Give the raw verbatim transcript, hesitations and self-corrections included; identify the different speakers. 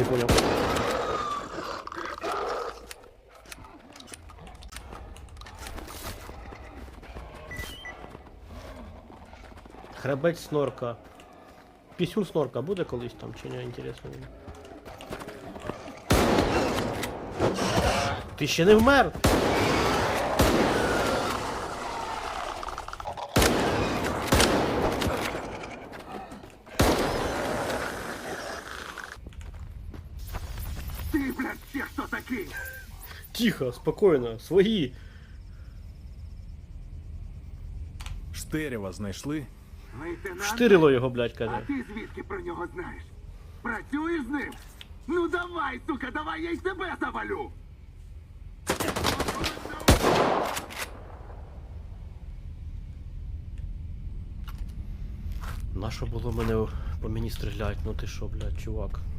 Speaker 1: не понял. Хребець снорка. Пісюн снорка буде колись там, чи не, інтересно. Ти ще не вмер?
Speaker 2: Ты, блядь, все кто такие?
Speaker 1: Тихо, спокійно, свої.
Speaker 3: Штирєва знайшли?
Speaker 2: Лейтенант?
Speaker 1: Штирило його, блядь,
Speaker 2: А
Speaker 1: каже.
Speaker 2: ти звідки про нього знаєш? Працюєш з ним? Ну давай, сука, давай я й тебе завалю!
Speaker 1: Нащо було мене по мені стріляти? Ну ти що, блядь, чувак?